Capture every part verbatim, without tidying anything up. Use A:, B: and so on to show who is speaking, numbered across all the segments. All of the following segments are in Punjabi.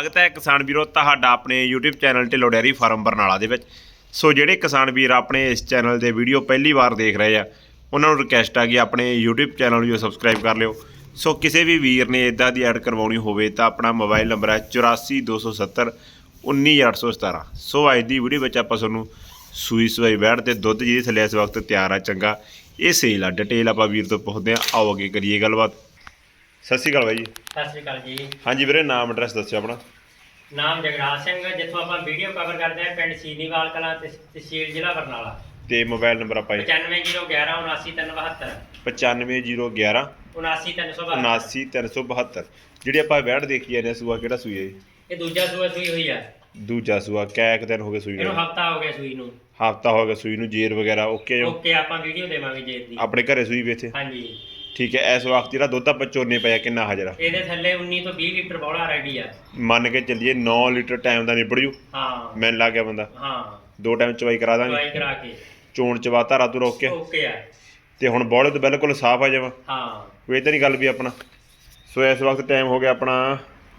A: स्वागत है किसान वीरों ਤੁਹਾਡਾ ਆਪਣੇ YouTube channel Dhillon dairy farm Barnala ਦੇ ਵਿੱਚ। ਸੋ ਜਿਹੜੇ ਕਿਸਾਨ ਵੀਰ ਆਪਣੇ ਇਸ ਚੈਨਲ ਦੇ ਵੀਡੀਓ ਪਹਿਲੀ ਵਾਰ ਦੇਖ ਰਹੇ ਆ ਉਹਨਾਂ ਨੂੰ ਰਿਕਵੈਸਟ ਆ ਕਿ ਆਪਣੇ YouTube ਚੈਨਲ ਨੂੰ ਸਬਸਕ੍ਰਾਈਬ ਕਰ ਲਿਓ। ਸੋ ਕਿਸੇ ਵੀ ਵੀਰ ਨੇ ਇਦਾਂ ਦੀ ਐਡ ਕਰਵਾਉਣੀ ਹੋਵੇ ਤਾਂ ਆਪਣਾ ਮੋਬਾਈਲ ਨੰਬਰ ਹੈ ਚੁਰਾਸੀ ਦੋ ਸੌ ਸੱਤਰ ਉੱਨੀ ਅੱਠ ਸੌ ਸਤਾਰਾਂ। ਸੋ ਅੱਜ ਦੀ ਵੀਡੀਓ ਵਿੱਚ ਆਪਾਂ ਤੁਹਾਨੂੰ ਸੂਈ ਸਵਾਈ ਬੈੜ ਤੇ ਦੁੱਧ ਜਿਹਦੇ ਥੱਲੇ ਇਸ ਵਕਤ ਤਿਆਰ ਆ ਚੰਗਾ ਇਹ ਸੇਲ ਆ ਡਿਟੇਲ ਆਪਾਂ ਵੀਰ ਤੋਂ ਪੁੱਛਦੇ ਆ। ਆਓ ਅੱਗੇ ਕਰੀਏ ਗੱਲਬਾਤ। ਸਤਿ ਸ਼੍ਰੀ ਅਕਾਲ ਬਾਈ ਜੀ।
B: ਸਤਿ ਸ਼੍ਰੀ ਅਕਾਲ ਜੀ।
A: ਹਾਂਜੀ ਵੀਰੇ ਨਾਮ ਐਡਰੈਸ ਦੱਸਿਓ ਆਪਣਾ।
B: ਨਾਮ ਜਗਰਾਜ ਸਿੰਘ, ਜਿੱਥੋਂ ਆਪਾਂ ਵੀਡੀਓ ਕਵਰ ਕਰਦੇ ਆ ਪਿੰਡ ਸੀਨੀਵਾਲ ਕਲਾਂ ਤੇ ਤਹਿਸੀਲ ਜ਼ਿਲ੍ਹਾ ਬਰਨਾਲਾ।
A: ਤੇ ਮੋਬਾਈਲ ਨੰਬਰ ਆਪਾਂ
B: ਪਚਾਨਵੇਂ ਜ਼ੀਰੋ ਗਿਆਰਾਂ ਉਨਾਸੀ ਤਿੰਨ ਬਹੱਤਰ
A: ਪਚਾਨਵੇਂ ਜ਼ੀਰੋ ਗਿਆਰਾਂ
B: ਉਨਾਸੀ ਤਿੰਨ ਸੌ
A: ਉਨਾਸੀ ਤਿੰਨ ਸੌ ਬਹੱਤਰ। ਜਿਹੜੀ ਆਪਾਂ ਵੈੜ ਦੇਖੀ ਜਾਂਦੇ ਸੂਆ ਕਿਹੜਾ ਸੂਈ ਹੈ?
B: ਇਹ ਦੂਜਾ ਸੂਆ ਸੂਈ ਹੋਈ ਆ।
A: ਦੂਜਾ ਸੂਆ ਕੈ ਕੁ ਦਿਨ ਹੋ ਗਏ ਸੂਈ ਨੂੰ?
B: ਇਹਨੂੰ ਹਫਤਾ ਹੋ ਗਿਆ ਸੂਈ ਨੂੰ।
A: ਹਫਤਾ ਹੋ ਗਿਆ ਸੂਈ ਨੂੰ। ਜੇਰ ਵਗੈਰਾ ਓਕੇ ਜੋ?
B: ਓਕੇ, ਆਪਾਂ ਵੀਡੀਓ ਦੇਵਾਂਗੇ ਜੇਰ ਦੀ।
A: ਆਪਣੇ ਘਰੇ ਸੂਈ ਵੇਚੇ?
B: ਹਾਂਜੀ
A: ਠੀਕ ਹੈ। ਇਸ ਵਕਤ ਜਿਹੜਾ ਦੁੱਧ ਆਪਾਂ ਚੋਨੇ ਪਿਆ ਕਿੰਨਾ ਹਾਜ਼ਰ?
B: ਇਹਦੇ ਥੱਲੇ ਉੱਨੀ ਤੋਂ ਵੀਹ ਲੀਟਰ ਬੌਲਾ ਰੈਡੀ ਆ।
A: ਮੰਨ ਕੇ ਚੱਲੀਏ ਨੌ ਲੀਟਰ ਟਾਈਮ ਦਾ ਨਿਬੜ ਜੂ।
B: ਹਾਂ
A: ਮੈਨੂੰ ਲੱਗ ਗਿਆ ਬੰਦਾ।
B: ਹਾਂ
A: ਦੋ ਟਾਈਮ ਚਵਾਈ ਕਰਾ ਦਾਂਗੇ।
B: ਚਵਾਈ ਕਰਾ ਕੇ
A: ਚੋਣ ਚਵਾ ਧਾਰਾ ਤੂੰ ਰੋਕ ਕੇ
B: ਓਕੇ ਆ।
A: ਤੇ ਹੁਣ ਬੌਲੇ ਤੋਂ ਬਿਲਕੁਲ ਸਾਫ਼ ਆ ਜਾਵਾਂ।
B: ਹਾਂ
A: ਕੋਈ ਇਦਾਂ ਨਹੀਂ ਗੱਲ ਵੀ ਆਪਣਾ। ਸੋ ਇਸ ਵਕਤ ਟਾਈਮ ਹੋ ਗਿਆ ਆਪਣਾ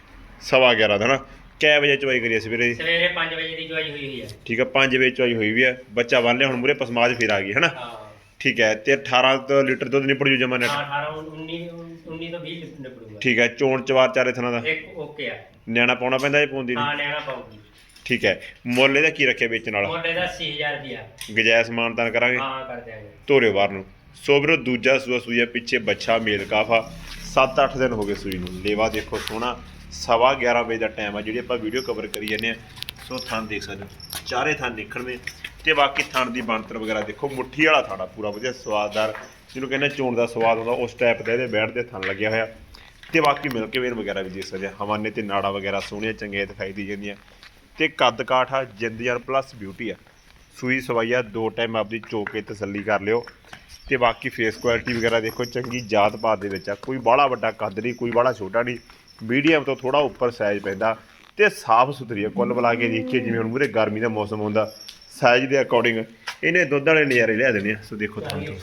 A: ਸਵਾ ਗਿਆਰਾਂ ਦਾ ਨਾ। ਕੈ ਵਜੇ ਚਵਾਈ ਕਰੀਏ ਸਵੇਰੇ?
B: ਸਵੇਰੇ ਪੰਜ ਵਜੇ ਦੀ ਚਵਾਈ ਹੋਈ ਹੋਈ ਆ।
A: ਠੀਕ ਹੈ ਪੰਜ ਵਜੇ ਚਵਾਈ ਹੋਈ ਵੀ ਹੈ। ਬੱਚਾ ਬੰਨ ਲਿਆ ਹੁਣ ਮੂਰੇ ਪਸਮਾਜ ਫਿਰ ਆ ਗਈ ਹੈ ਨਾ।
B: ਹਾਂ
A: ਠੀਕ ਹੈ। ਤੇ ਅਠਾਰਾਂ ਤੋਂ ਲੀਟਰ ਦੁੱਧ ਨਿਪੜ ਜੂ ਜਮਾ ਨੈਟ।
B: ਹਾਂ ਅਠਾਰਾਂ ਉੱਨੀ ਉੱਨੀ ਤੋਂ ਵੀਹ ਲੀਟਰ ਨਿਕਲੂਗਾ।
A: ਠੀਕ ਹੈ। ਚੋਣ ਚਵਾਰ ਚਾਰੇ ਥਣਾ ਦਾ
B: ਇੱਕ ਓਕੇ ਆ।
A: ਨਿਆਣਾ ਪਾਉਣਾ ਪੈਂਦਾ ਇਹ ਪਾਉਂਦੀ ਨਹੀਂ?
B: ਹਾਂ ਨਿਆਣਾ ਪਾਉਗੀ।
A: ਠੀਕ ਹੈ। ਮੁੱਲ ਇਹਦਾ ਕੀ ਰੱਖਿਆ ਵੇਚਣ ਵਾਲਾ?
B: ਮੁੱਲ ਇਹਦਾ ਅੱਸੀ ਹਜ਼ਾਰ ਰੁਪਿਆ।
A: ਗਜਾਇਜ਼ ਮਾਨਤਾਨ ਕਰਾਂਗੇ?
B: ਹਾਂ ਕਰ ਦਿਆਂਗੇ।
A: ਤੋਰਿਓ ਬਾਹਰ ਨੂੰ। ਸੋ ਵੀਰੋ ਦੂਜਾ ਸੂਆ ਸੂਈ ਹੈ ਪਿੱਛੇ ਬੱਚਾ ਮੇਲ ਕਾਫਾ। ਸੱਤ ਅੱਠ ਦਿਨ ਹੋ ਗਏ ਸੂਈ ਨੂੰ। ਲੇਵਾ ਦੇਖੋ ਸੋਹਣਾ। ਸਵਾ ਗਿਆਰਾਂ ਵਜੇ ਦਾ ਟਾਈਮ ਆ ਜਿਹੜੀ ਆਪਾਂ ਵੀਡੀਓ ਕਵਰ ਕਰੀ ਜਾਂਦੇ ਹਾਂ। ਸੋ ਥਣ ਦੇਖ ਸਕਦੇ ਹੋ ਚਾਰੇ ਥਣ ਨਿਕਲਵੇਂ ਤੇ ਬਾਕੀ ਥਣ ਦੀ ਬਣਤਰ ਵਗੈਰਾ ਦੇਖੋ। ਮੁੱਠੀ ਵਾਲਾ ਥਾਣਾ ਪੂਰਾ ਵਧੀਆ ਸਵਾਦਦਾਰ ਜਿਹਨੂੰ ਕਹਿੰਦੇ ਚੋਣ ਦਾ ਸਵਾਦ ਹੁੰਦਾ ਉਸ ਟਾਈਪ ਦਾ ਇਹਦੇ ਬੈਠ ਦੇ ਥਣ ਲੱਗਿਆ ਹੋਇਆ। ਤੇ ਬਾਕੀ ਮਿਲ ਕੇ ਵੇਰ ਵਗੈਰਾ ਵੀ ਦੇਖ ਸਕਦੇ ਆ। ਹਵਾਨੇ ਤੇ ਨਾੜਾ ਵਗੈਰਾ ਸੋਹਣੀਆਂ ਚੰਗੀਆਂ ਦਿਖਾਈ ਦੀ ਜਾਂਦੀਆਂ। ਤੇ ਕੱਦ ਕਾਠ ਆ ਜਿੰਦ ਯਾਰ ਪਲੱਸ ਬਿਊਟੀ ਆ। ਸੂਈ ਸਵਾਈ ਆ ਦੋ ਟਾਈਮ ਆਪਦੀ ਚੋ ਕੇ ਤਸੱਲੀ ਕਰ ਲਿਓ। ਤੇ ਬਾਕੀ ਫੇਸ ਕੁਆਲਿਟੀ ਵਗੈਰਾ ਦੇਖੋ ਚੰਗੀ ਜਾਤ ਪਾਤ ਦੇ ਵਿੱਚ ਆ। ਕੋਈ ਬਾਹਲਾ ਵੱਡਾ ਕੱਦ ਨਹੀਂ ਕੋਈ ਬਾਹਲਾ ਛੋਟਾ ਨਹੀਂ। ਮੀਡੀਅਮ ਤੋਂ ਥੋੜਾ ਉੱਪਰ ਸਾਈਜ਼ ਪੈਂਦਾ ਤੇ ਸਾਫ਼ ਸੁਥਰੀ ਆ। ਕੁੱਲ ਮਿਲਾ ਕੇ ਦੇਖੀਏ ਜਿਵੇਂ ਹੁਣ ਮੂਰੇ ਗਰਮੀ ਦਾ ਮੌਸਮ ਹੁੰਦਾ ਸਾਈਜ਼ ਦੇ ਅਕੋਰਡਿੰਗ ਇਹਨੇ ਦੁੱਧ ਵਾਲੇ ਨਜ਼ਾਰੇ ਲਿਆ ਦੇਣੇ ਆ। ਸੋ ਦੇਖੋ ਤੁਹਾਨੂੰ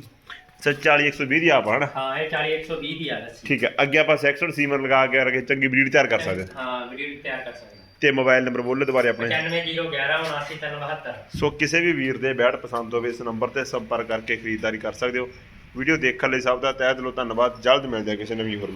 A: ਸਰ ਚਾਲੀ ਇੱਕ ਸੌ ਵੀਹ ਦੀ ਆਪ ਹਨ।
B: ਹਾਂ ਇਹ ਚਾਲੀ ਇੱਕ ਸੌ ਵੀਹ ਦੀ ਆ।
A: ਠੀਕ ਹੈ। ਅੱਗੇ ਆਪਾਂ ਸੈਕਸ਼ਨ ਸੀਮਰ ਲਗਾ ਕੇ ਕਰਕੇ ਚੰਗੀ ਬਰੀਡ ਤਿਆਰ ਕਰ ਸਕਦੇ
B: ਹਾਂ ਬਰੀਡ ਤਿਆਰ ਕਰ ਸਕਦੇ।
A: ਤੇ ਮੋਬਾਈਲ ਨੰਬਰ ਬੋਲੇ ਦੁਬਾਰੇ ਆਪਣੇ?
B: ਪਚਾਨਵੇਂ ਜ਼ੀਰੋ ਗਿਆਰਾਂ ਉਨਾਸੀ ਤਿੰਨ ਬਹੱਤਰ।
A: ਸੋ ਕਿਸੇ ਵੀ ਵੀਰ ਦੇ ਬੈੜ ਪਸੰਦ ਹੋਵੇ ਇਸ ਨੰਬਰ ਤੇ ਸੰਪਰਕ ਕਰਕੇ ਖਰੀਦਦਾਰੀ ਕਰ ਸਕਦੇ ਹੋ। ਵੀਡੀਓ ਦੇਖਣ ਲਈ ਸਭ ਦਾ ਤਹਿ ਦਿਲੋਂ ਧੰਨਵਾਦ। ਜਲਦ ਮਿਲਦੇ ਹਾਂ ਕਿਸੇ ਨਵੀਂ ਹੋਰ